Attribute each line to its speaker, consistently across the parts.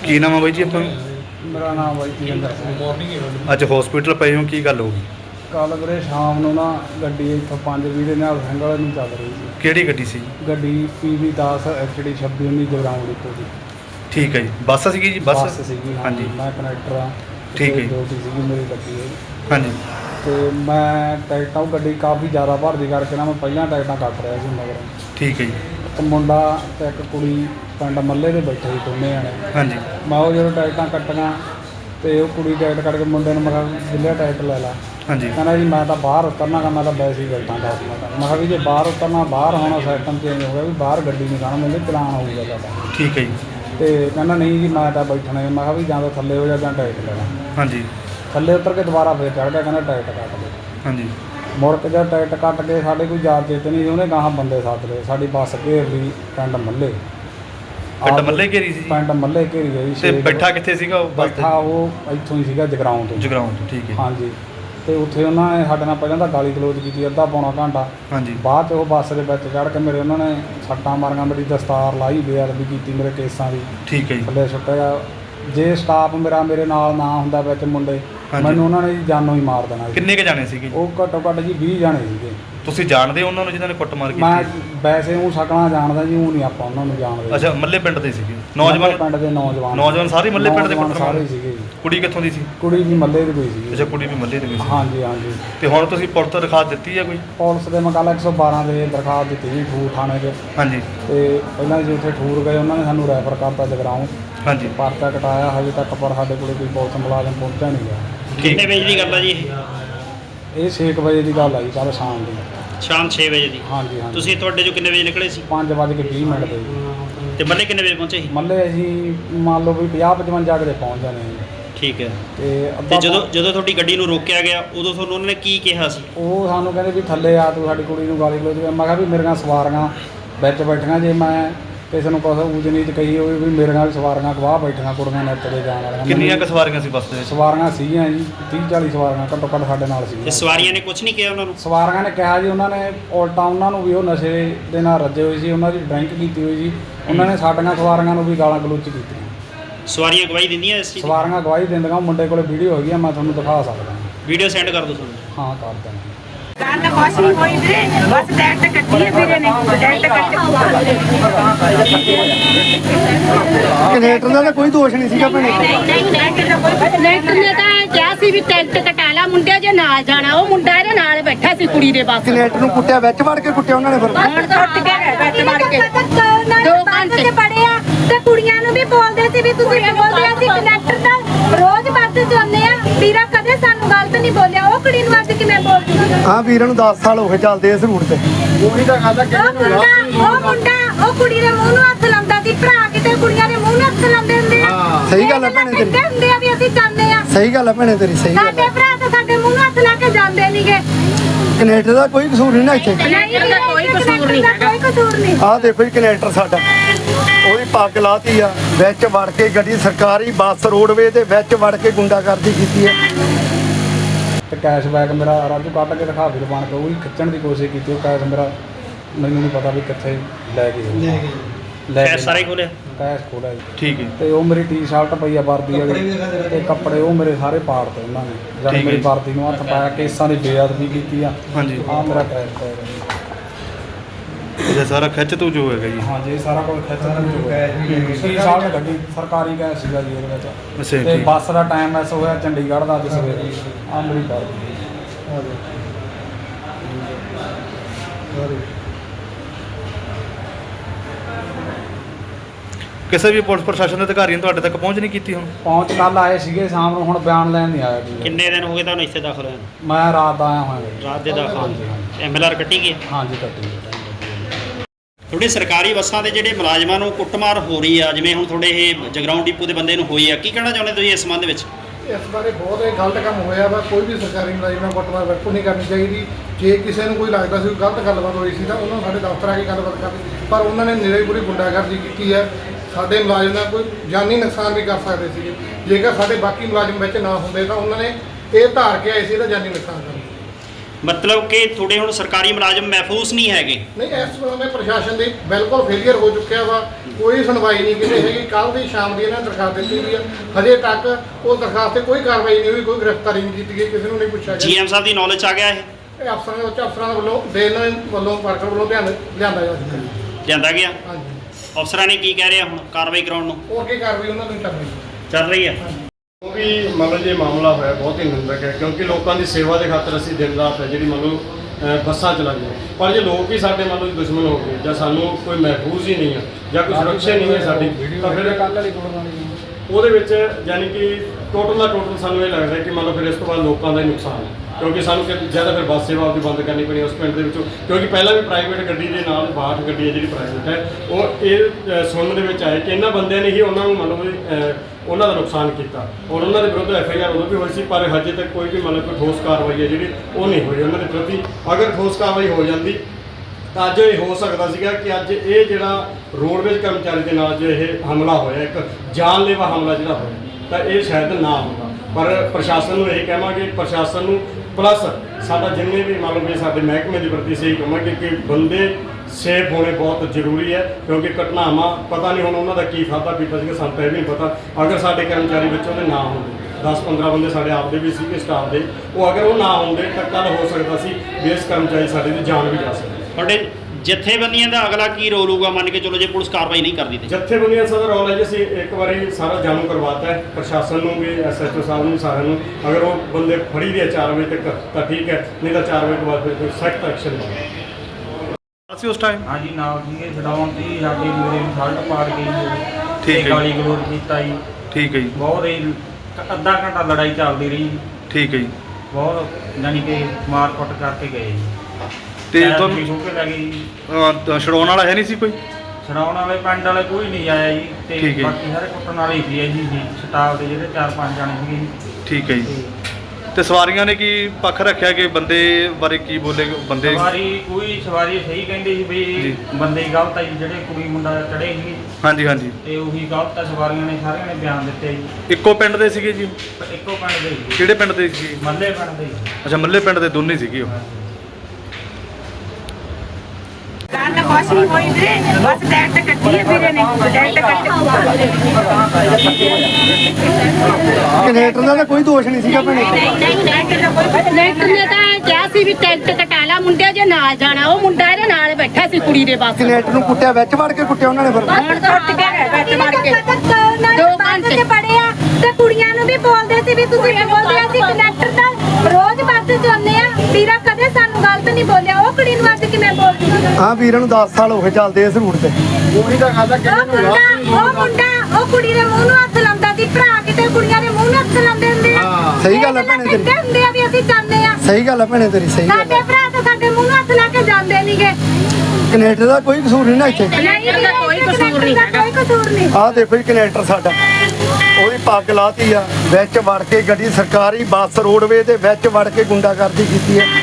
Speaker 1: ਕੀ ਨਾਮ ਆ ਬਾਈ ਜੀ ਆਪਾਂ?
Speaker 2: ਮੇਰਾ ਨਾਮ ਬਾਈ ਤੇਜਿੰਦਰ ਸਿੰਘ।
Speaker 1: ਅੱਜ ਹਸਪੀਟਲ ਪਏ ਹੋ, ਕੀ ਗੱਲ ਹੋ ਗਈ?
Speaker 2: ਕੱਲ੍ਹ ਵੀਰੇ ਸ਼ਾਮ ਨੂੰ ਨਾ ਗੱਡੀ ਇੱਥੋਂ 5:20 ਦੇ ਨਾਲ ਸਿੰਘ ਵਾਲੇ ਨੂੰ ਚੱਲ ਰਹੀ ਸੀ।
Speaker 1: ਕਿਹੜੀ ਗੱਡੀ ਸੀ?
Speaker 2: ਗੱਡੀ PV 10 HD 2619 ਜਗਰਾਉਂ ਦੀ ਤੋਂ।
Speaker 1: ਠੀਕ ਹੈ ਜੀ, ਬੱਸ ਸੀਗੀ ਜੀ?
Speaker 2: ਬੱਸ ਸੀਗੀ
Speaker 1: ਹਾਂਜੀ।
Speaker 2: ਮੈਂ ਕਨੈਕਟਰ ਆ।
Speaker 1: ਠੀਕ ਹੈ ਜੀ।
Speaker 2: ਡਿਊਟੀ ਸੀਗੀ ਮੇਰੀ ਲੱਗੀ ਹੋਈ।
Speaker 1: ਹਾਂਜੀ।
Speaker 2: ਤੇ ਮੈਂ ਟਿਕਟਾਂ ਉਹ ਗੱਡੀ ਕਾਫੀ ਜ਼ਿਆਦਾ ਭਰਦੀ ਕਰਕੇ ਨਾ ਮੈਂ ਪਹਿਲਾਂ ਟਿਕਟਾਂ ਕੱਟ ਰਿਹਾ ਸੀ ਮਗਰ।
Speaker 1: ਠੀਕ ਹੈ ਜੀ।
Speaker 2: ਇੱਕ ਮੁੰਡਾ ਤੇ ਇੱਕ ਕੁੜੀ ਪਿੰਡ ਮੱਲੇ ਦੇ ਬੈਠੇ ਸੀ ਦੋਨੇ ਜਾਣੇ।
Speaker 1: ਹਾਂਜੀ।
Speaker 2: ਮੈਂ ਉਹ ਜਦੋਂ ਟਿਕਟਾਂ ਕੱਟੀਆਂ ਤੇ ਉਹ ਕੁੜੀ ਟਿਕਟ ਕੱਟ ਕੇ ਮੁੰਡੇ ਨੂੰ ਮੈਂ ਕਿਹਾ ਜਿੱਲਿਆ ਟਿਕਟ ਲੈ ਲਾ।
Speaker 1: ਹਾਂਜੀ।
Speaker 2: ਕਹਿੰਦਾ ਜੀ ਮੈਂ ਤਾਂ ਬਾਹਰ ਉਤਰਨਾ ਗਾ, ਮੈਂ ਤਾਂ ਵੈਸੇ ਹੀ ਬੈਠਾ 10 ਮਿੰਟ। ਮੈਂ ਕਿਹਾ ਵੀ ਜੇ ਬਾਹਰ ਉਤਰਨਾ ਬਾਹਰ ਹੋਣਾ ਸਿਸਟਮ ਚੇਂਜ ਹੋ ਗਿਆ ਵੀ ਬਾਹਰ ਗੱਡੀ ਨਹੀਂ ਖਾਣਾ ਮੈਨੂੰ ਚਲਾਨ ਹੋਊਗਾ ਤੁਹਾਡਾ।
Speaker 1: ਠੀਕ ਹੈ ਜੀ।
Speaker 2: ਤੇ ਕਹਿੰਦਾ ਨਹੀਂ ਜੀ ਮੈਂ ਤਾਂ ਬੈਠਣਾ। ਮੈਂ ਕਿਹਾ ਵੀ ਜਾਂ ਤਾਂ ਥੱਲੇ ਹੋ ਜਾ ਜਾਂ ਟਿਕਟ ਲੈ ਲਾ।
Speaker 1: ਹਾਂਜੀ।
Speaker 2: ਥੱਲੇ ਉਤਰ ਕੇ ਦੁਬਾਰਾ ਫੇਰ ਚੜ੍ਹ ਗਿਆ, ਕਹਿੰਦਾ ਟਿਕਟ ਕੱਟ ਦੇ।
Speaker 1: ਹਾਂਜੀ।
Speaker 2: ਮੁੜ ਕੇ ਜਦ ਟਿਕਟ ਕੱਟ ਕੇ ਸਾਡੇ ਕੋਈ ਯਾਦ ਚੇਤੇ ਨਹੀਂ, ਉਹਨੇ ਗਾਹਾਂ ਬੰਦੇ ਸੱਦ ਲਏ। ਸਾਡੀ ਬੱਸ ਘੇਰ ਲਈ ਪਿੰਡ ਮੱਲੇ।
Speaker 1: ਪਿੰਡ ਮੱਲੇ ਘੇਰੀ ਸੀ?
Speaker 2: ਪਿੰਡ ਮੱਲੇ ਘੇਰੀ ਗਈ।
Speaker 1: ਤੇ ਬੈਠਾ ਕਿੱਥੇ ਸੀਗਾ ਉਹ?
Speaker 2: ਬੈਠਾ ਉਹ ਇੱਥੋਂ ਹੀ ਸੀਗਾ ਜਗਰਾਉਂ ਤੋਂ।
Speaker 1: ਜਗਰਾਉਂ ਤੋਂ, ਠੀਕ ਹੈ।
Speaker 2: ਹਾਂਜੀ। ਤੇ ਉੱਥੇ ਉਹਨਾਂ ਨੇ ਸਾਡੇ ਨਾਲ ਪਹਿਲਾਂ ਤਾਂ ਗਾਲੀ ਗਲੋਚ ਕੀਤੀ ਅੱਧਾ ਪੌਣਾ ਘੰਟਾ।
Speaker 1: ਹਾਂਜੀ।
Speaker 2: ਬਾਅਦ 'ਚ ਉਹ ਬੱਸ ਦੇ ਵਿੱਚ ਚੜ੍ਹ ਕੇ ਮੇਰੇ ਉਹਨਾਂ ਨੇ ਸੱਟਾਂ ਮਾਰੀਆਂ, ਮੇਰੀ ਦਸਤਾਰ ਲਾਈ, ਬੇਅਦਬੀ ਕੀਤੀ ਮੇਰੇ ਕੇਸਾਂ ਦੀ।
Speaker 1: ਠੀਕ ਹੈ ਜੀ।
Speaker 2: ਥੱਲੇ ਸੁੱਟਿਆ। ਜੇ ਸਟਾਫ ਮੇਰੇ ਨਾਲ ਨਾ ਹੁੰਦਾ ਵਿੱਚ ਮੁੰਡੇ, ਮੈਨੂੰ ਉਹਨਾਂ ਨੇ ਜੀ ਜਾਨੋਂ ਹੀ ਮਾਰ ਦੇਣਾ।
Speaker 1: ਕਿੰਨੇ ਕੁ ਜਾਣੇ ਸੀਗੇ?
Speaker 2: ਉਹ ਘੱਟੋ ਘੱਟ ਜੀ 20 ਜਾਣੇ ਸੀਗੇ।
Speaker 1: ਤੁਸੀਂ ਜਾਣਦੇ ਹੋ ਉਹਨਾਂ ਨੂੰ ਜਿਨ੍ਹਾਂ ਨੇ ਕੁੱਟਮਾਰ ਕੀਤੀ?
Speaker 2: ਮੈਂ ਵੈਸੇ ਉਹ ਸਕਣਾ ਜਾਣਦਾ ਜੀ, ਉਹ ਨਹੀਂ ਆਪਾਂ ਉਹਨਾਂ ਨੂੰ ਜਾਣਦੇ।
Speaker 1: ਅੱਛਾ, ਮੱਲੇ ਪਿੰਡ ਦੇ ਸੀਗੇ ਨੌਜਵਾਨ?
Speaker 2: ਪਿੰਡ ਦੇ ਨੌਜਵਾਨ।
Speaker 1: ਨੌਜਵਾਨ ਸਾਰੇ ਮੱਲੇ ਪਿੰਡ ਦੇ ਕੁੱਟਮਾਰ
Speaker 2: ਸਾਰੇ ਸੀਗੇ ਜੀ।
Speaker 1: ਕੁੜੀ ਕਿੱਥੋਂ ਦੀ ਸੀ?
Speaker 2: ਕੁੜੀ ਵੀ ਮੱਲੇ ਦੀ ਕੋਈ ਸੀਗੀ।
Speaker 1: ਅੱਛਾ, ਕੁੜੀ ਵੀ ਮੱਲੇ ਦੀ ਕੋਈ ਸੀ।
Speaker 2: ਹਾਂਜੀ ਹਾਂਜੀ।
Speaker 1: ਤੇ ਹੁਣ ਤੁਸੀਂ ਪੁਲਿਸ ਤੋਂ ਦਰਖਾਸਤ ਦਿੱਤੀ ਹੈ ਕੋਈ?
Speaker 2: ਪੁਲਿਸ ਦੇ ਮਕਾਲਾ 112 ਦੇ ਦਰਖਾਸਤ ਦਿੱਤੀ ਜੀ ਠੂਰ ਥਾਣੇ 'ਚ।
Speaker 1: ਹਾਂਜੀ।
Speaker 2: ਤੇ ਪਹਿਲਾਂ ਜੀ ਉੱਥੇ ਠੂਰ ਗਏ, ਉਹਨਾਂ ਨੇ ਸਾਨੂੰ ਰੈਫਰ ਕਰਤਾ ਜਗਰਾਉਂ।
Speaker 1: ਹਾਂਜੀ।
Speaker 2: ਪਰਚਾ ਕਟਾਇਆ ਹਜੇ ਤੱਕ, ਪਰ ਸਾਡੇ ਕੋਲੇ ਕੋਈ ਪੁਲਿਸ ਮੁਲਾਜ਼ਮ ਪਹੁੰਚਿਆ ਨਹੀਂ ਗਿਆ।
Speaker 3: ਕਿੰਨੇ ਵਜੇ ਦੀ ਗੱਲ ਆ ਜੀ
Speaker 2: ਇਹ 6 ਵਜੇ ਦੀ ਗੱਲ ਆ ਜੀ, ਕੱਲ੍ਹ ਸ਼ਾਮ ਦੀ।
Speaker 3: ਸ਼ਾਮ 6 ਵਜੇ ਦੀ?
Speaker 2: ਹਾਂਜੀ ਹਾਂਜੀ।
Speaker 3: ਤੁਸੀਂ ਤੁਹਾਡੇ ਚੋਂ ਕਿੰਨੇ ਵਜੇ ਨਿਕਲੇ ਸੀ?
Speaker 2: 5:20 ਦੇ ਜੀ।
Speaker 3: ਤੇ ਮੱਲੇ ਕਿੰਨੇ ਵਜੇ ਪਹੁੰਚੇ ਸੀ?
Speaker 2: ਮੱਲੇ ਅਸੀਂ ਮੰਨ ਲਓ ਵੀ 50-55 ਕਿਤੇ ਪਹੁੰਚ ਜਾਣੇ ਜੀ।
Speaker 3: ਠੀਕ ਹੈ।
Speaker 2: ਤੇ
Speaker 3: ਤੇ ਜਦੋਂ ਤੁਹਾਡੀ ਗੱਡੀ ਨੂੰ ਰੋਕਿਆ ਗਿਆ ਉਦੋਂ ਤੁਹਾਨੂੰ ਉਹਨਾਂ ਨੇ ਕੀ ਕਿਹਾ ਸੀ?
Speaker 2: ਉਹ ਸਾਨੂੰ ਕਹਿੰਦੇ ਵੀ ਥੱਲੇ ਆ ਤੂੰ, ਸਾਡੀ ਕੁੜੀ ਨੂੰ ਗਾਲੀ ਗਲੋਚ। ਮੈਂ ਕਿਹਾ ਵੀ ਮੇਰੀਆਂ ਸਵਾਰੀਆਂ ਵਿੱਚ ਬੈਠੀਆਂ, ਜੇ ਮੈਂ ਕਿਸੇ ਨੂੰ ਕੁਛ ਊਚ-ਨੀਚ ਕਹੀ ਹੋਵੇ ਵੀ ਮੇਰੀਆਂ ਵੀ ਸਵਾਰੀਆਂ ਗਵਾਹ ਬੈਠੀਆਂ ਕੁੜੀਆਂ ਨੱਚ ਦੇ ਜਾਣ ਵਾਲੀਆਂ।
Speaker 1: ਕਿੰਨੀਆਂ ਕੁ ਸਵਾਰੀਆਂ ਸੀ ਬੱਸ ਦੇ ਵਿੱਚ?
Speaker 2: ਸਵਾਰੀਆਂ ਸੀਗੀਆਂ ਜੀ 30-40 ਸਵਾਰੀਆਂ ਘੱਟੋ ਘੱਟ ਸਾਡੇ ਨਾਲ
Speaker 3: ਤੇ
Speaker 2: ਸੀਗੀਆਂ।
Speaker 3: ਸਵਾਰੀਆਂ ਨੇ ਕੁਝ ਨਹੀਂ ਕਿਹਾ ਉਹਨਾਂ ਨੂੰ?
Speaker 2: ਸਵਾਰੀਆਂ ਨੇ ਕਿਹਾ ਜੀ, ਉਹਨਾਂ ਨੇ ਉਲਟਾ ਉਹਨਾਂ ਨੂੰ ਵੀ ਉਹ ਨਸ਼ੇ ਦੇ ਨਾਲ ਰੱਜੇ ਹੋਏ ਸੀ, ਉਹਨਾਂ ਦੀ ਡਰਿੰਕ ਕੀਤੀ ਹੋਈ ਸੀ। ਉਹਨਾਂ ਨੇ ਸਾਡੀਆਂ ਸਵਾਰੀਆਂ ਨੂੰ ਵੀ ਗਾਲਾਂ ਗਲੋਚ ਕੀਤੀਆਂ।
Speaker 3: ਸਵਾਰੀਆਂ ਗਵਾਹੀ ਦਿੰਦੀਆਂ ਇਸ ਚੀਜ਼ ਦੀ?
Speaker 2: ਸਵਾਰੀਆਂ ਗਵਾਹੀ ਦਿੰਦੀਆਂ। ਮੁੰਡੇ ਕੋਲੇ ਵੀਡੀਓ ਹੈਗੀ ਆ, ਮੈਂ ਤੁਹਾਨੂੰ ਦਿਖਾ ਸਕਦਾ।
Speaker 3: ਵੀਡੀਓ ਸੈਂਡ ਕਰ ਦਿਓ ਸਾਨੂੰ।
Speaker 2: ਹਾਂ ਕਰ ਦਿੰਦਾ।
Speaker 4: ਗੱਲ ਤਾਂ ਕੁਛ ਨਹੀਂ ਹੋਈ ਵੀਰੇ, ਬਸ ਟਿਕਟ ਕੱਟੀ ਹੈ ਵੀਰੇ ਨੇ, ਟਿਕਟ ਕੱਟੀ।
Speaker 5: ਕਨੈਕਟਰ ਦਾ ਤਾਂ ਕੋਈ ਦੋਸ਼ ਨਹੀਂ ਸੀਗਾ ਭੈਣੇ।
Speaker 4: ਕਨੈਕਟਰ ਨੇ ਤਾਂ ਕਿਹਾ ਸੀ ਵੀ ਟਿਕਟ ਕਟਾ ਲਾ, ਮੁੰਡੇ ਜੇ ਨਾਲ ਜਾਣਾ। ਉਹ ਮੁੰਡਾ ਇਹਦੇ ਨਾਲ ਬੈਠਾ ਸੀ ਕੁੜੀ ਦੇ ਬਸ।
Speaker 5: ਕਨੈਕਟਰ ਨੂੰ ਕੁੱਟਿਆ, ਵਿੱਚ ਵੜ ਕੇ ਕੁੱਟਿਆ ਉਹਨਾਂ ਨੇ ਫਿਰ।
Speaker 4: ਹੁਣ ਟੁੱਟ ਕੇ ਵਿੱਚ ਵੜ ਕੇ
Speaker 6: 2 ਘੰਟੇ ਪੜੇ ਆ ਤੇ ਕੁੜੀਆਂ ਨੂੰ ਵੀ ਬੋਲਦੇ ਸੀ ਵੀ ਤੁਸੀਂ ਬੋਲਦੇ ਆ ਸੀ ਕਨੈਕਟਰ ਦਾ ਰੋਜ਼ ਬੱਸ ਚ ਆਉਂਦੇ ਆ। ਵੀਰਾ ਕਦੇ ਸਾਨੂੰ ਗਲਤ ਨਹੀਂ ਬੋਲਿਆ। ਉਹ ਕੁੜੀ ਨੂੰ ਅੱਜ ਕਿਵੇਂ ਬੋਲ ਜੂਗੀ?
Speaker 5: ਹਾਂ, ਵੀਰਾਂ ਨੂੰ 10 ਸਾਲ ਹੋ ਗਏ ਚੱਲਦੇ ਇਸ ਰੂਟ ਤੇ।
Speaker 2: ਉਹੀ ਤਾਂ ਗੱਲ ਆ ਕਿ
Speaker 6: ਉਹ ਕੁੜੀ ਦੇ ਮੂੰਹ ਨੂੰ ਹੱਥ ਲਾਉਂਦਾ ਸੀ। ਭਰਾ ਕਿਤੇ ਕੁੜੀਆਂ ਦੇ ਮੂੰਹ ਨੂੰ ਹੱਥ ਲਾਉਂਦੇ ਹੁੰਦੇ ਆ।
Speaker 5: ਸਹੀ ਗੱਲ ਆ ਭੈਣੇ ਤੇਰੀ।
Speaker 6: ਕਹਿੰਦੇ ਹੁੰਦੇ ਆ ਵੀ ਅਸੀਂ ਜਾਂਦੇ ਆ।
Speaker 5: ਸਹੀ ਗੱਲ ਆ ਭੈਣੇ ਤੇਰੀ, ਸਹੀ ਗੱਲ
Speaker 6: ਸਾਡੇ
Speaker 5: ਆ।
Speaker 6: ਭਰਾ ਤਾਂ ਸਾਡੇ ਮੂੰਹ ਨੂੰ ਹੱਥ ਲਾ ਕੇ ਜਾਂਦੇ ਨਹੀਂਗੇ।
Speaker 5: ਕਨੈਕਟਰ ਦਾ ਕੋਈ ਕਸੂਰ ਨਹੀਂ ਨਾ ਇੱਥੇ।
Speaker 6: ਨਹੀਂ ਕੋਈ ਕਸੂਰ ਨਹੀਂ, ਕੋਈ ਕਸੂਰ ਨਹੀਂ।
Speaker 5: ਆਹ ਦੇਖੋ ਜੀ ਕਨੈਕਟਰ ਸਾਡਾ, ਉਹਦੀ ਪੱਗ ਲਾਤੀ ਆ, ਵਿੱਚ ਵੜ ਕੇ ਗੱਡੀ ਸਰਕਾਰੀ ਬੱਸ ਰੋਡਵੇ ਦੇ ਵਿੱਚ ਵੜ ਕੇ ਗੁੰਡਾਗਰਦੀ ਕੀਤੀ ਹੈ।
Speaker 2: ਤੇ ਕੈਸ਼ ਬੈਕ ਮੇਰਾ ਰਾਜੂ ਕੱਢ ਕੇ ਦਿਖਾ ਵੀ ਦੁਕਾਨ ਤੋਂ, ਉਹ ਵੀ ਖਿੱਚਣ ਦੀ ਕੋਸ਼ਿਸ਼ ਕੀਤੀ। ਉਹ ਕੈਸ਼ ਮੇਰਾ ਮੈਨੂੰ ਨਹੀਂ ਪਤਾ ਵੀ ਕਿੱਥੇ ਲੈ ਗਏ।
Speaker 3: ਕੈਸ਼ ਸਾਰੇ ਖੋਲਿਆ?
Speaker 2: ਕੈਸ਼ ਖੋਲਿਆ ਜੀ।
Speaker 1: ਠੀਕ ਹੈ।
Speaker 2: ਤੇ ਉਹ ਮੇਰੀ ਟੀ-ਸ਼ਰਟ ਪਈ ਆ ਵਰਦੀ ਵਾਲੀ, ਤੇ ਕੱਪੜੇ ਉਹ ਮੇਰੇ ਸਾਰੇ ਪਾੜਤੇ ਉਹਨਾਂ ਨੇ। ਜਦ
Speaker 1: ਠੀਕ ਹੈ
Speaker 2: ਮੇਰੀ
Speaker 1: ਜੀ।
Speaker 2: ਵਰਦੀ ਨੂੰ ਹੱਥ ਪਾਇਆ, ਕੇਸਾਂ ਦੀ ਬੇਅਦਬੀ ਕੀਤੀ ਆ।
Speaker 1: ਹਾਂਜੀ।
Speaker 2: ਆਹ ਮੇਰਾ ਕੈਸ਼ ਪੈ ਗਿਆ।
Speaker 1: ਇਹ ਸਾਰਾ ਖਿੱਚ ਤੂੰ ਜੋ ਹੈਗਾ ਜੀ?
Speaker 2: ਹਾਂਜੀ, ਇਹ ਸਾਰਾ ਕੁਝ ਖਿੱਚਣ ਨੂੰ ਜੋ ਹੈ। ਟੀ-ਸ਼ਰਟ ਗੱਡੀ ਸਰਕਾਰੀ ਕੈਸ਼ ਸੀਗਾ ਜੀ ਇਹਦੇ ਵਿੱਚ।
Speaker 1: ਅੱਛਾ
Speaker 2: ਤੇ
Speaker 1: ਠੀਕ।
Speaker 2: ਬੱਸ ਦਾ ਟਾਈਮ ਮਿਸ ਹੋਇਆ ਚੰਡੀਗੜ੍ਹ ਦਾ ਅੱਜ ਸਵੇਰੇ। ਆਹ ਮੇਰੀ ਵਰਦੀ।
Speaker 1: ਕਿਸੇ ਵੀ ਪੁਲਿਸ ਪ੍ਰਸ਼ਾਸਨ ਦੇ ਅਧਿਕਾਰੀ ਨੇ ਤੁਹਾਡੇ ਤੱਕ ਪਹੁੰਚ ਨਹੀਂ ਕੀਤੀ? ਹੁਣ
Speaker 2: ਪਹੁੰਚ ਕੱਲ ਆਏ ਸੀਗੇ ਸ਼ਾਮ ਨੂੰ, ਹੁਣ ਬਿਆਨ ਲੈਣ ਨਹੀਂ ਆਇਆ ਜੀ।
Speaker 3: ਕਿੰਨੇ ਦਿਨ ਹੋ ਗਏ ਤੁਹਾਨੂੰ ਇੱਥੇ ਦਾਖਲ ਹੋਇਆ?
Speaker 2: ਮੈਂ ਰਾਤ ਦਾ ਆਇਆ ਹੋਇਆ ਜੀ।
Speaker 3: ਰਾਤ ਦੇ ਦਾਖਲ?
Speaker 2: ਹਾਂਜੀ।
Speaker 3: MLR ਕੱਟੀ ਗਈ?
Speaker 2: ਹਾਂਜੀ ਕੱਟੀ।
Speaker 3: ਤੁਹਾਡੇ ਸਰਕਾਰੀ ਬੱਸਾਂ ਦੇ ਜਿਹੜੇ ਮੁਲਾਜ਼ਮਾਂ ਨੂੰ ਕੁੱਟਮਾਰ ਹੋ ਰਹੀ ਆ, ਜਿਵੇਂ ਹੁਣ ਤੁਹਾਡੇ ਇਹ ਜਗਰਾਉਂ ਡਿਪੂ ਦੇ ਬੰਦੇ ਨੂੰ ਹੋਈ ਆ, ਕੀ ਕਹਿਣਾ ਚਾਹੁੰਦੇ ਤੁਸੀਂ ਇਸ ਸੰਬੰਧ ਵਿੱਚ?
Speaker 7: ਇਸ ਬਾਰੇ ਬਹੁਤ ਇਹ ਗਲਤ ਕੰਮ ਹੋਇਆ ਵਾ। ਕੋਈ ਵੀ ਸਰਕਾਰੀ ਮੁਲਾਜ਼ਮ ਨਾਲ ਕੁੱਟਮਾਰ ਬਿਲਕੁਲ ਨਹੀਂ ਕਰਨੀ ਚਾਹੀਦੀ। ਜੇ ਕਿਸੇ ਨੂੰ ਕੋਈ ਲੱਗਦਾ ਸੀ ਗਲਤ ਗੱਲਬਾਤ ਹੋਈ ਸੀ ਤਾਂ ਉਹਨਾਂ ਨੂੰ ਸਾਡੇ ਦਫ਼ਤਰ ਆ ਕੇ ਗੱਲਬਾਤ ਕਰਨੀ, ਪਰ ਉਹਨਾਂ ਨੇ ਨਿਰੇ ਪੂਰੀ ਗੁੰਡਾਗਰਦੀ ਕੀਤੀ ਹੈ। ਸਾਡੇ ਮੁਲਾਜ਼ਮ ਦਾ ਕੋਈ ਜਾਨੀ ਨੁਕਸਾਨ ਵੀ ਕਰ ਸਕਦੇ ਸੀਗੇ। ਜੇਕਰ ਸਾਡੇ ਬਾਕੀ ਮੁਲਾਜ਼ਮ ਵਿੱਚ ਨਾ ਹੁੰਦੇ ਤਾਂ ਉਹਨਾਂ ਨੇ ਇਹ ਧਾਰ ਕੇ ਆਏ ਸੀ ਇਹਦਾ ਜਾਨੀ ਨੁਕਸਾਨ ਕਰਨਾ।
Speaker 3: ਮਤਲਬ ਕਿ ਤੁਹਾਡੇ ਹੁਣ ਸਰਕਾਰੀ ਮੁਲਾਜ਼ਮ ਮਹਿਫੂਜ਼ ਨਹੀਂ ਹੈਗੇ?
Speaker 7: ਨਹੀਂ, ਇਸ ਸਮੇਂ ਪ੍ਰਸ਼ਾਸਨ ਦੀ ਬਿਲਕੁਲ ਫੇਲੀਅਰ ਹੋ ਚੁੱਕਿਆ ਵਾ। ਕੋਈ ਸੁਣਵਾਈ ਨਹੀਂ ਕੀਤੀ ਹੈਗੀ। ਕੱਲ ਦੀ ਸ਼ਾਮ ਦੀ ਇਹਨਾਂ ਨੇ ਦਰਖਾਸਤ ਦਿੱਤੀ ਵੀ ਆ, ਹਜੇ ਤੱਕ ਉਹ ਦਰਖਾਸਤ ਤੇ ਕੋਈ ਕਾਰਵਾਈ ਨਹੀਂ ਹੋਈ, ਕੋਈ ਗ੍ਰਿਫਤਾਰੀ ਨਹੀਂ ਕੀਤੀ ਗਈ, ਕਿਸੇ ਨੂੰ ਨਹੀਂ ਪੁੱਛਿਆ ਗਿਆ।
Speaker 3: ਜੀਐਮ ਸਾਹਿਬ ਦੀ ਨੌਲੇਜ 'ਚ ਆ ਗਿਆ
Speaker 7: ਇਹ ਅਫਸਰਾਂ ਦੇ ਉੱਚ ਅਫਸਰਾਂ ਦੇ ਵੱਲੋਂ ਡੇਲ ਵੱਲੋਂ ਵਰਕਰ ਵੱਲੋਂ ਧਿਆਨ ਲਿਆਂਦਾ ਜਾ ਚੁੱਕਾ ਜੀ।
Speaker 3: ਲਿਆਂਦਾ ਗਿਆ।
Speaker 7: ਹਾਂਜੀ,
Speaker 3: ਅਫਸਰਾਂ ਨੇ ਕੀ ਕਹਿ ਰਿਹਾ ਹੁਣ ਕਾਰਵਾਈ ਕਰਾਉਣ ਨੂੰ?
Speaker 7: ਉਹ ਅੱਗੇ ਕਾਰਵਾਈ ਉਹਨਾਂ ਨੂੰ ਚੱਲ ਰਹੀ ਹੈ।
Speaker 3: ਚੱਲ ਰਹੀ ਹੈ।
Speaker 8: ਉਹ ਵੀ ਮੰਨ ਲਓ ਜੇ ਮਾਮਲਾ ਹੋਇਆ ਬਹੁਤ ਹੀ ਨਿੰਦਕ ਹੈ, ਕਿਉਂਕਿ ਲੋਕਾਂ ਦੀ ਸੇਵਾ ਦੇ ਖਾਤਰ ਅਸੀਂ ਦਿਨ ਰਾਤ ਹੈ ਜਿਹੜੀ ਮੰਨ ਲਓ ਬੱਸਾਂ ਚਲਾਈਆਂ, ਪਰ ਜੇ ਲੋਕ ਹੀ ਸਾਡੇ ਮੰਨ ਲਓ ਦੁਸ਼ਮਣ ਹੋ ਗਏ ਜਾਂ ਸਾਨੂੰ ਕੋਈ ਮਹਿਫੂਜ਼ ਹੀ ਨਹੀਂ ਹੈ ਜਾਂ ਕੋਈ ਸੁਰੱਖਿਆ ਨਹੀਂ ਹੈ ਸਾਡੀ, ਤਾਂ ਫਿਰ ਉਹਦੇ ਵਿੱਚ ਯਾਨੀ ਕਿ ਟੋਟਲ ਦਾ ਟੋਟਲ ਸਾਨੂੰ ਇਹ ਲੱਗਦਾ ਕਿ ਮੰਨ ਲਓ ਫਿਰ ਇਸ ਤੋਂ ਬਾਅਦ ਲੋਕਾਂ ਦਾ ਹੀ ਨੁਕਸਾਨ ਹੈ, ਕਿਉਂਕਿ ਸਾਨੂੰ ਜ਼ਿਆਦਾ ਫਿਰ ਬੱਸ ਸੇਵਾ ਆਪਦੀ ਬੰਦ ਕਰਨੀ ਪੈਣੀ ਉਸ ਪਿੰਡ ਦੇ ਵਿੱਚੋਂ, ਕਿਉਂਕਿ ਪਹਿਲਾਂ ਵੀ ਪ੍ਰਾਈਵੇਟ ਗੱਡੀ ਦੇ ਨਾਲ 62 ਗੱਡੀ ਹੈ ਜਿਹੜੀ ਪ੍ਰਾਈਵੇਟ ਹੈ, ਉਹ ਇਹ ਸੁਣਨ ਦੇ ਵਿੱਚ ਆਇਆ ਕਿ ਇਹਨਾਂ ਬੰਦਿਆਂ ਨੇ ਹੀ ਉਹਨਾਂ ਨੂੰ ਮੰਨ ਲਓ ਉਹਨਾਂ ਦਾ ਨੁਕਸਾਨ ਕੀਤਾ ਔਰ ਉਹਨਾਂ ਦੇ ਵਿਰੁੱਧ FIR ਉਦੋਂ ਵੀ ਹੋਈ ਸੀ, ਪਰ ਹਜੇ ਤੱਕ ਕੋਈ ਵੀ ਮਤਲਬ ਕੋਈ ਠੋਸ ਕਾਰਵਾਈ ਹੈ ਜਿਹੜੀ ਉਹ ਨਹੀਂ ਹੋਈ ਉਹਨਾਂ ਦੇ ਪ੍ਰਤੀ। ਅਗਰ ਠੋਸ ਕਾਰਵਾਈ ਹੋ ਜਾਂਦੀ ਤਾਂ ਅੱਜ ਇਹ ਹੋ ਸਕਦਾ ਸੀਗਾ ਕਿ ਅੱਜ ਇਹ ਜਿਹੜਾ ਰੋਡਵੇਜ਼ ਕਰਮਚਾਰੀ ਦੇ ਨਾਲ ਜੋ ਇਹ ਹਮਲਾ ਹੋਇਆ, ਇੱਕ ਜਾਨਲੇਵਾ ਹਮਲਾ ਜਿਹੜਾ ਹੋਇਆ, ਤਾਂ ਇਹ ਸ਼ਾਇਦ ਨਾ ਹੁੰਦਾ। ਪਰ ਪ੍ਰਸ਼ਾਸਨ ਨੂੰ ਇਹ ਕਹਾਂਗੇ, ਪ੍ਰਸ਼ਾਸਨ ਨੂੰ ਪਲੱਸ ਸਾਡਾ ਜਿੰਨੇ ਵੀ ਮੰਨ ਲਓ ਵੀ ਸਾਡੇ ਮਹਿਕਮੇ ਦੇ ਪ੍ਰਤੀ ਸਹੀ ਕਹਾਂਗੇ ਕਿ ਬੰਦੇ ਸੇਫ ਹੋਣੇ ਬਹੁਤ ਜ਼ਰੂਰੀ ਹੈ, ਕਿਉਂਕਿ ਘਟਨਾਵਾਂ ਪਤਾ ਨਹੀਂ ਹੁਣ ਉਹਨਾਂ ਦਾ ਕੀ ਖਾਧਾ ਪੀਤਾ ਸੀਗਾ, ਸਾਨੂੰ ਤਾਂ ਇਹ ਵੀ ਨਹੀਂ ਪਤਾ। ਅਗਰ ਸਾਡੇ ਕਰਮਚਾਰੀ ਵਿੱਚ ਉਹਦੇ ਨਾ ਹੁੰਦੇ, 10-15 ਬੰਦੇ ਸਾਡੇ ਆਪ ਦੇ ਵੀ ਸੀਗੇ ਸਟਾਫ ਦੇ, ਉਹ ਅਗਰ ਉਹ ਨਾ ਹੁੰਦੇ ਤਾਂ ਕੱਲ ਹੋ ਸਕਦਾ ਸੀ ਵੀ ਇਸ ਕਰਮਚਾਰੀ ਸਾਡੇ ਦੀ ਜਾਨ ਵੀ ਜਾ ਸਕਦੀ।
Speaker 3: ਤੁਹਾਡੇ ਜਥੇਬੰਦੀਆਂ ਦਾ ਅਗਲਾ ਕੀ ਰੋਲ ਹੋਊਗਾ, ਮੰਨ ਕੇ ਚਲੋ ਜੇ ਪੁਲਿਸ ਕਾਰਵਾਈ ਨਹੀਂ ਕਰਦੀ ਤੇ?
Speaker 8: ਜਥੇਬੰਦੀਆਂ ਦਾ ਰੋਲ ਹੈ ਜੀ, ਅਸੀਂ ਇੱਕ ਵਾਰੀ ਸਾਰਾ ਜਾਣੂ ਕਰਵਾਤਾ ਹੈ ਪ੍ਰਸ਼ਾਸਨ ਨੂੰ ਵੀ, SHO ਸਾਹਿਬ ਨੂੰ, ਸਾਰਿਆਂ ਨੂੰ। ਅਗਰ ਉਹ ਬੰਦੇ ਫੜੀ ਦੇ 4 ਵਜੇ ਤੱਕ ਤਾਂ ਠੀਕ ਹੈ, ਨਹੀਂ ਤਾਂ 4 ਵਜੇ ਤੋਂ ਬਾਅਦ ਫਿਰ ਕੋਈ ਸਖਤ ਐਕਸ਼ਨ ਹੋਵੇ।
Speaker 1: ਅਸੀਂ ਉਸ ਟਾਈਮ
Speaker 2: ਹਾਂਜੀ ਨਾਲ ਸੀਗੇ ਛਡਾਉਣ ਦੀ ਸਾਡੀ ਮੇਰੇ ਨੂੰ ਸਲਟ ਪਾੜ ਗਈ
Speaker 1: ਠੀਕ ਹੈ ਜੀ।
Speaker 2: ਗਾਲੀ ਗਲੋਚ ਕੀਤਾ ਜੀ,
Speaker 1: ਠੀਕ ਹੈ ਜੀ,
Speaker 2: ਬਹੁਤ ਹੀ ਅੱਧਾ ਘੰਟਾ ਲੜਾਈ ਚੱਲਦੀ ਰਹੀ ਜੀ,
Speaker 1: ਠੀਕ ਹੈ ਜੀ।
Speaker 2: ਬਹੁਤ ਯਾਨੀ ਕਿ ਮਾਰ ਕੁੱਟ ਕਰਕੇ ਗਏ ਜੀ।
Speaker 1: ਤੇ
Speaker 2: ਪੈਰ
Speaker 1: ਤੁਹਾਨੂੰ
Speaker 2: ਵੀ ਛੂਹ ਕੇ ਲੈ ਗਏ ਜੀ।
Speaker 1: ਛਡਾਉਣ ਵਾਲਾ ਹੈ ਨਹੀਂ ਸੀ ਕੋਈ?
Speaker 2: ਛਡਾਉਣ ਵਾਲੇ ਪਿੰਡ ਵਾਲੇ ਕੋਈ ਨਹੀਂ ਆਇਆ ਜੀ, ਤੇ
Speaker 1: ਠੀਕ ਹੈ।
Speaker 2: ਬਾਕੀ ਸਾਰੇ ਕੁੱਟਣ ਵਾਲੇ ਹੀ ਸੀ ਜੀ, ਸਟਾਫ ਦੇ ਜਿਹੜੇ 4-5 ਜਾਣੇ ਸੀਗੇ ਜੀ।
Speaker 1: ਠੀਕ ਹੈ ਜੀ। ਤੇ ਸਵਾਰੀਆਂ ਨੇ ਕੀ ਪੱਖ ਰੱਖਿਆ ਕਿ ਬੰਦੇ ਬਾਰੇ ਕੀ ਬੋਲੇ? ਬੰਦੇ
Speaker 2: ਕੋਈ ਸਵਾਰੀ ਸਹੀ ਕਹਿੰਦੇ ਸੀ ਵੀ
Speaker 1: ਜੀ।
Speaker 2: ਬੰਦੇ ਹੀ ਗਲਤ ਆ ਜੀ, ਜਿਹੜੇ ਕੁੜੀ ਮੁੰਡਾ ਚੜੇ ਸੀ
Speaker 1: ਹਾਂਜੀ ਹਾਂਜੀ,
Speaker 2: ਤੇ ਉਹੀ ਗਲਤ ਆ। ਸਵਾਰੀਆਂ ਨੇ ਸਾਰਿਆਂ ਨੇ ਬਿਆਨ ਦਿੱਤੇ ਜੀ।
Speaker 1: ਇੱਕੋ ਪਿੰਡ ਦੇ ਸੀਗੇ ਜੀ?
Speaker 2: ਇੱਕੋ ਪਿੰਡ ਦੇ ਜੀ।
Speaker 1: ਕਿਹੜੇ ਪਿੰਡ ਦੇ ਸੀ?
Speaker 2: ਮੱਲੇ ਪਿੰਡ ਦੇ ਜੀ।
Speaker 1: ਅੱਛਾ, ਮੱਲੇ ਪਿੰਡ ਦੇ ਦੋਨੇ ਸੀਗੇ ਉਹ।
Speaker 4: ਗੱਲ ਕੁਛ ਨਹੀਂ ਹੋਈ ਵੀਰੇ, ਬਸ ਡੈਟ ਕੱਟੀ ਹੈ ਵੀਰੇ ਨੇ, ਡੈਟ
Speaker 5: ਕਨੇਕਟਰ ਦਾ ਤਾਂ ਕੋਈ ਦੋਸ਼ ਨਹੀਂ ਸੀਗਾ ਭੈਣੇ।
Speaker 4: ਕਨੈਕਟਰ ਨੇ ਤਾਂ ਕਿਹਾ ਸੀ ਵੀ ਟਿਕਟ ਕਟਾ ਲਾ ਮੁੰਡੇ ਜੇ ਨਾਲ ਜਾਣਾ, ਉਹ ਮੁੰਡਾ ਇਹਦੇ ਨਾਲ ਬੈਠਾ ਸੀ ਕੁੜੀ ਦੇ ਬਸ।
Speaker 5: ਕਨੇਕਟਰ ਨੂੰ ਕੁੱਟਿਆ, ਵਿੱਚ ਵੜ ਕੇ ਕੁੱਟਿਆ ਉਹਨਾਂ ਨੇ ਫਿਰ।
Speaker 4: ਹੁਣ ਤਾਂ ਉੱਠ ਕੇ ਬੈਠ ਵੜ ਕੇ
Speaker 6: 2 ਘੰਟੇ ਪੜੇ ਆ ਤੇ ਕੁੜੀਆਂ ਨੂੰ ਵੀ ਬੋਲਦੇ ਸੀ ਵੀ ਤੁਸੀਂ ਬੋਲਦੇ ਆ, ਅਸੀਂ ਕੰਡਕਟਰ ਦਾ ਰੋਜ਼ ਬੱਸ ਚ ਆਉਂਦੇ ਆ, ਵੀਰਾ ਕਦੇ ਸਾਨੂੰ ਗਲਤ ਨਹੀਂ ਬੋਲਿਆ। ਉਹ ਕੁੜੀ ਨੂੰ ਅੱਜ ਕਿਵੇਂ ਬੋਲਦੀ?
Speaker 5: ਹਾਂ, ਵੀਰਾਂ ਨੂੰ 10 ਸਾਲ ਹੋ ਗਏ ਚੱਲਦੇ ਇਸ ਰੂਟ ਤੇ।
Speaker 7: ਉਹੀ ਤਾਂ ਗੱਲ ਆ
Speaker 6: ਉਹ ਕੁੜੀ ਦੇ ਮੂੰਹ ਨੂੰ ਹੱਥ ਲਾਉਂਦਾ ਸੀ, ਭਰਾ ਕਿਤੇ ਕੁੜੀਆਂ ਦੇ ਮੂੰਹ ਨੂੰ ਹੱਥ ਲਾਉਂਦੇ ਹੁੰਦੇ ਆ।
Speaker 5: ਸਹੀ ਗੱਲ ਹੈ ਭੈਣੇ ਤੇਰੀ।
Speaker 6: ਕਹਿੰਦੇ ਹੁੰਦੇ ਆ ਵੀ ਅਸੀਂ ਚਾਹੁੰਦੇ ਆ।
Speaker 5: ਸਹੀ ਗੱਲ ਹੈ ਭੈਣੇ ਤੇਰੀ, ਸਹੀ ਗੱਲ
Speaker 6: ਸਾਡੇ
Speaker 5: ਹੈ।
Speaker 6: ਭਰਾ ਤਾਂ ਸਾਡੇ ਮੂੰਹ ਨੂੰ ਹੱਥ ਲਾ ਕੇ ਜਾਂਦੇ ਨਹੀਂਗੇ।
Speaker 5: ਕਨੇਕਟਰ ਦਾ ਕੋਈ ਕਸੂਰ ਨਹੀਂ ਨਾ ਇੱਥੇ।
Speaker 6: ਨਹੀਂ ਵੀਰੇ,
Speaker 4: ਕੋਈ ਕਸੂਰ ਨਹੀਂ ਹੈਗਾ।
Speaker 6: ਕੋਈ ਕਸੂਰ ਨਹੀਂ।
Speaker 5: ਆਹ ਦੇਖੋ ਜੀ ਕਨੇਕਟਰ ਸਾਡਾ, ਉਹਦੀ ਪੱਗ ਲਾਤੀ ਆ, ਵਿੱਚ ਵੜ ਕੇ ਗੱਡੀ ਸਰਕਾਰੀ ਬੱਸ ਰੋਡਵੇ ਦੇ ਵਿੱਚ ਵੜ ਕੇ ਗੁੰਡਾਗਰਦੀ ਕੀਤੀ ਹੈ।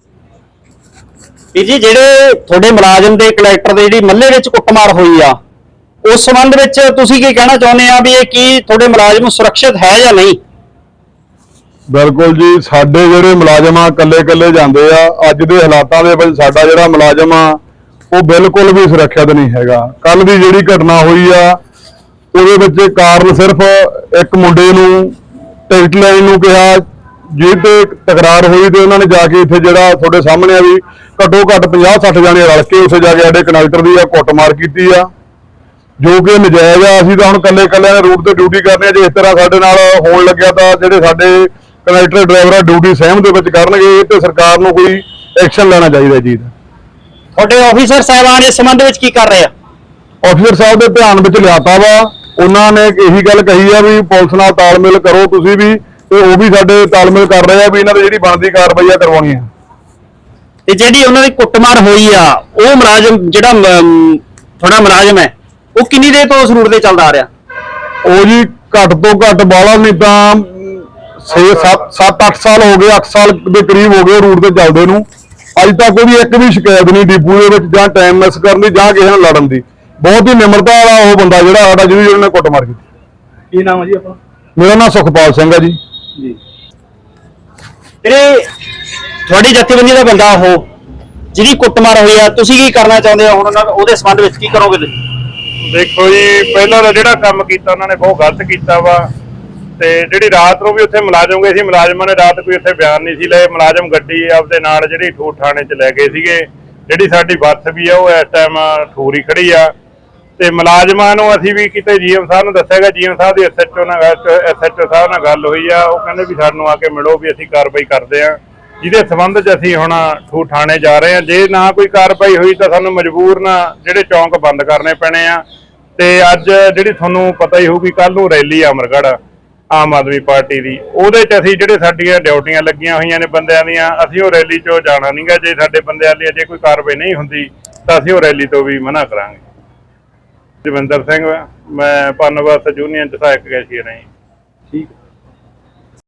Speaker 3: ਜੀ ਜਿਹੜੇ ਤੁਹਾਡੇ ਮੁਲਾਜ਼ਮ ਦੇ ਕਲੈਕਟਰ ਦੇ ਜਿਹੜੀ ਮੱਲੇ ਵਿੱਚ ਕੁੱਟਮਾਰ ਹੋਈ ਆ, ਉਸ ਸੰਬੰਧ ਵਿੱਚ ਤੁਸੀਂ ਕੀ ਕਹਿਣਾ ਚਾਹੁੰਦੇ ਆ ਵੀ ਇਹ ਕੀ ਤੁਹਾਡੇ ਮੁਲਾਜ਼ਮ ਸੁਰੱਖਿਅਤ ਹੈ ਜਾਂ ਨਹੀਂ?
Speaker 9: ਬਿਲਕੁਲ ਜੀ, ਸਾਡੇ ਜਿਹੜੇ ਮੁਲਾਜ਼ਮ ਆ ਕੱਲੇ ਜਾਂਦੇ ਆ। ਅੱਜ ਦੇ ਹਾਲਾਤਾਂ ਦੇ ਵਿੱਚ ਸਾਡਾ ਜਿਹੜਾ ਮੁਲਾਜ਼ਮ ਆ ਉਹ ਬਿਲਕੁਲ ਵੀ ਸੁਰੱਖਿਅਤ ਨਹੀਂ ਹੈਗਾ। ਕੱਲ ਦੀ ਜਿਹੜੀ ਘਟਨਾ ਹੋਈ ਆ ਉਹਦੇ ਵਿੱਚ ਕਾਰਨ ਸਿਰਫ ਇੱਕ ਮੁੰਡੇ ਨੂੰ ਟਿਕਟ ਲੈਣ ਨੂੰ ਕਿਹਾ, ਜਿਹਦੇ ਤੇ ਤਕਰਾਰ ਹੋਈ ਤੇ ਉਹਨਾਂ ਨੇ ਜਾ ਕੇ ਇੱਥੇ ਜਿਹੜਾ ਤੁਹਾਡੇ ਸਾਹਮਣੇ ਆ ਵੀ ਘੱਟੋ ਘੱਟ 50-60 ਜਾਣੇ ਰਲ ਕੇ ਉੱਥੇ ਜਾ ਕੇ ਸਾਡੇ ਕੰਡਕਟਰ ਦੀ ਕੁੱਟਮਾਰ ਕੀਤੀ ਆ, ਜੋ ਕਿ ਨਜਾਇਜ਼ ਆ। ਅਸੀਂ ਤਾਂ ਹੁਣ ਕੱਲਿਆਂ ਨੇ ਰੂਟ ਤੇ ਡਿਊਟੀ ਕਰਨੀ ਆ। ਜੇ ਇਸ ਤਰ੍ਹਾਂ ਸਾਡੇ ਨਾਲ ਹੋਣ ਲੱਗਿਆ ਤਾਂ ਜਿਹੜੇ ਸਾਡੇ ਕੰਡਕਟਰ ਡਰਾਈਵਰ ਡਿਊਟੀ ਸਹਿਮ ਦੇ ਵਿੱਚ ਕਰਨਗੇ, ਤੇ ਸਰਕਾਰ ਨੂੰ ਕੋਈ ਐਕਸ਼ਨ ਲੈਣਾ ਚਾਹੀਦਾ ਜੀ।
Speaker 3: ਤੁਹਾਡੇ ਆਫੀਸਰ ਸਾਹਿਬਾਨ ਇਸ ਸੰਬੰਧ ਵਿੱਚ ਕੀ ਕਰ ਰਹੇ ਆ?
Speaker 9: ਆਫੀਸਰ ਸਾਹਿਬ ਦੇ ਧਿਆਨ ਵਿੱਚ ਲਿਆਤਾ ਵਾ, ਉਹਨਾਂ ਨੇ ਇਹੀ ਗੱਲ ਕਹੀ ਆ ਵੀ ਪੁਲਿਸ ਨਾਲ ਤਾਲਮੇਲ ਕਰੋ ਤੁਸੀਂ ਵੀ, ਤੇ ਉਹ ਵੀ ਸਾਡੇ ਤਾਲਮੇਲ ਕਰ ਰਹੇ ਆ ਵੀ ਇਹਨਾਂ ਦੀ ਜਿਹੜੀ ਬਣਦੀ ਕਾਰਵਾਈ ਆ ਕਰਵਾਉਣੀ ਆ।
Speaker 3: ਤੇ ਜਿਹੜੀ ਉਹਨਾਂ ਦੀ ਕੁੱਟਮਾਰ ਹੋਈ ਆ, ਉਹ ਮੁਲਾਜ਼ਮ ਜਿਹੜਾ ਤੁਹਾਡਾ ਮੁਲਾਜ਼ਮ ਹੈ ਉਹ ਕਿੰਨੀ ਦੇਰ ਤੋਂ ਉਸ ਰੂਟ ਤੇ ਚੱਲਦਾ ਆ ਰਿਹਾ?
Speaker 9: ਉਹ ਜੀ ਘੱਟ ਤੋਂ ਘੱਟ ਬਾਲਾ ਨਹੀਂ ਤਾਂ 7-8 ਸਾਲ ਹੋ ਗਏ, 8 ਸਾਲ ਦੇ ਕਰੀਬ ਹੋ ਗਏ ਰੂਟ ਤੇ ਚੱਲਦੇ ਨੂੰ। ਅੱਜ ਤੱਕ ਉਹਦੀ ਇੱਕ ਵੀ ਸ਼ਿਕਾਇਤ ਨਹੀਂ ਡਿਪੂ ਦੇ ਵਿੱਚ ਜਾਂ ਟਾਈਮ ਮਿਸ ਕਰਨ ਦੀ ਜਾਂ ਕਿਸੇ ਨਾਲ ਲੜਨ ਦੀ। ਬਹੁਤ ਹੀ ਨਿਮਰਤਾ ਵਾਲਾ ਉਹ ਬੰਦਾ ਜਿਹੜਾ ਸਾਡਾ ਜਿਹਨੇ ਕੁੱਟਮਾਰ ਕੀਤੀ।
Speaker 1: ਕੀ ਨਾਮ ਹੈ ਜੀ ਆਪਣਾ?
Speaker 9: ਮੇਰਾ ਨਾਮ ਸੁਖਪਾਲ ਸਿੰਘ ਹੈ ਜੀ।
Speaker 3: ਵੀਰੇ ਤੁਹਾਡੀ ਜਥੇਬੰਦੀ ਦਾ ਬੰਦਾ ਉਹ ਜਿਹਦੀ ਕੁੱਟਮਾਰ ਹੋਈ ਆ, ਤੁਸੀਂ ਕੀ ਕਰਨਾ ਚਾਹੁੰਦੇ ਹੋ ਹੁਣ ਉਹਦੇ ਸੰਬੰਧ ਵਿੱਚ ਕੀ ਕਰੋਗੇ ਤੁਸੀਂ?
Speaker 9: ਦੇਖੋ ਜੀ, ਪਹਿਲਾਂ ਤਾਂ ਜਿਹੜਾ ਕੰਮ ਕੀਤਾ ਉਹਨਾਂ ਨੇ ਬਹੁਤ ਗਲਤ ਕੀਤਾ ਵਾ। ਤੇ ਜਿਹੜੀ ਰਾਤ ਨੂੰ ਵੀ ਉੱਥੇ ਮੁਲਾਜ਼ਮ ਗਏ ਸੀ, ਮੁਲਾਜ਼ਮਾਂ ਨੇ ਰਾਤ ਕੋਈ ਉੱਥੇ ਬਿਆਨ ਨਹੀਂ ਸੀ ਲਏ। ਮੁਲਾਜ਼ਮ ਗੱਡੀ ਆਪਦੇ ਨਾਲ ਜਿਹੜੀ ਠੂਰ ਥਾਣੇ 'ਚ ਲੈ ਗਏ ਸੀਗੇ। ਜਿਹੜੀ ਸਾਡੀ ਬੱਸ ਵੀ ਆ ਉਹ ਇਸ ਟਾਈਮ ਠੂਰ ਹੀ ਖੜੀ ਆ। ਤੇ ਮੁਲਾਜ਼ਮਾਂ ਨੂੰ ਅਸੀਂ ਵੀ ਕਿਤੇ ਜੀਐਮ ਸਾਹਿਬ ਨੂੰ ਦੱਸਿਆਗਾ, ਜੀਐਮ ਸਾਹਿਬ ਦੀ ਐਸਐਚਓ ਸਾਹਿਬ ਨਾਲ ਗੱਲ ਹੋਈ ਆ। ਉਹ ਕਹਿੰਦੇ ਵੀ ਸਾਨੂੰ ਆ ਕੇ ਮਿਲੋ, ਵੀ ਅਸੀਂ ਕਾਰਵਾਈ ਕਰਦੇ ਆ, ਜਿਹਦੇ ਸੰਬੰਧ 'ਚ ਅਸੀਂ ਹੁਣ ਠੂਰ ਥਾਣੇ ਜਾ ਰਹੇ ਆ। ਜੇ ਨਾ ਕੋਈ ਕਾਰਵਾਈ ਹੋਈ ਤਾਂ ਸਾਨੂੰ ਮਜਬੂਰਨ ਜਿਹੜੇ ਚੌਂਕ ਬੰਦ ਕਰਨੇ ਪੈਣੇ ਆ। ਤੇ ਅੱਜ ਜਿਹੜੀ ਤੁਹਾਨੂੰ ਪਤਾ ਹੀ ਹੋਊਗੀ, ਕੱਲ ਨੂੰ ਰੈਲੀ ਆ ਅਮਰਗੜ੍ਹ ਆਮ ਆਦਮੀ ਪਾਰਟੀ ਦੀ, ਉਹਦੇ 'ਚ ਅਸੀਂ ਜਿਹੜੇ ਸਾਡੀਆਂ ਡਿਊਟੀਆਂ ਲੱਗੀਆਂ ਹੋਈਆਂ ਨੇ ਬੰਦਿਆਂ ਦੀਆਂ, ਅਸੀਂ ਉਹ ਰੈਲੀ 'ਚੋਂ ਜਾਣਾ ਨਹੀਂਗਾ। ਜੇ ਸਾਡੇ ਬੰਦਿਆਂ ਦੀ ਜੇ ਕੋਈ ਕਾਰਵਾਈ ਨਹੀਂ ਹੁੰਦੀ ਤਾਂ ਅਸੀਂ ਉਹ ਰੈਲੀ ਤੋਂ ਵੀ ਮਨਾ ਕਰਾਂਗੇ। ਜਵਿੰਦਰ ਸਿੰਘ, ਮੈਂ ਪਨਬਸ ਯੂਨੀਅਨ 'ਚ ਸਹਾਇਕ ਕੈਸ਼ੀਅਰ ਹਾਂ ਜੀ।
Speaker 1: ਠੀਕ।